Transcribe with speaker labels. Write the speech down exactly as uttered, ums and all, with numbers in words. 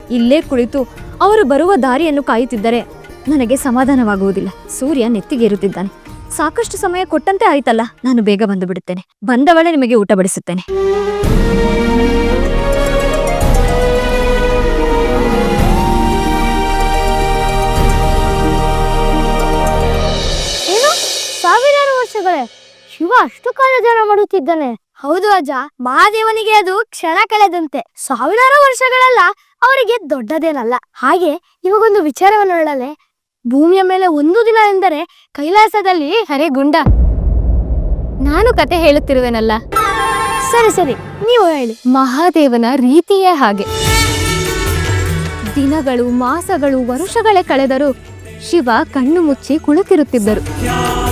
Speaker 1: ಇಲ್ಲೇ ಕುಳಿತು ಅವರು ಬರುವ ದಾರಿಯನ್ನು ಕಾಯುತ್ತಿದ್ದರೆ ನನಗೆ ಸಮಾಧಾನವಾಗುವುದಿಲ್ಲ. ಸೂರ್ಯ ನೆತ್ತಿಗೇರುತ್ತಿದ್ದಾನೆ. ಸಾಕಷ್ಟು ಸಮಯ ಕೊಟ್ಟಂತೆ ಆಯ್ತಲ್ಲ, ನಾನು ಬೇಗ ಬಂದು ಬಿಡುತ್ತೇನೆ. ಬಂದವಳೆ ನಿಮಗೆ ಊಟ ಬಡಿಸುತ್ತೇನೆ.
Speaker 2: ಏನು ಸಾವಿರಾರು ವರ್ಷಗಳೇ? ಶಿವ ಅಷ್ಟು ಕಾಲ ಧ್ಯಾನ ಮಾಡುತ್ತಿದ್ದಾನೆ? ಹೌದು ಅಜ್ಜ, ಮಹಾದೇವನಿಗೆ ಅದು ಕ್ಷಣ ಕಳೆದಂತೆ. ಸಾವಿರಾರು ವರ್ಷಗಳೆಲ್ಲ ಅವರಿಗೆ ದೊಡ್ಡದೇನಲ್ಲ. ಹಾಗೆ ಇವಾಗೊಂದು ವಿಚಾರವನ್ನು ಹೇಳಲೆ, ಭೂಮಿಯ ಮೇಲೆ ಒಂದು ದಿನ ಎಂದರೆ ಕೈಲಾಸದಲ್ಲಿ
Speaker 1: ಅರೆ ಗುಂಡ, ನಾನು ಕತೆ ಹೇಳುತ್ತಿರುವೆನಲ್ಲ.
Speaker 2: ಸರಿ ಸರಿ, ನೀವು ಹೇಳಿ.
Speaker 1: ಮಹಾದೇವನ ರೀತಿಯೇ ಹಾಗೆ. ದಿನಗಳು, ಮಾಸಗಳು, ವರುಷಗಳೇ ಕಳೆದರೂ ಶಿವ ಕಣ್ಣು ಮುಚ್ಚಿ ಕುಳಿತಿರುತ್ತಿದ್ದರು.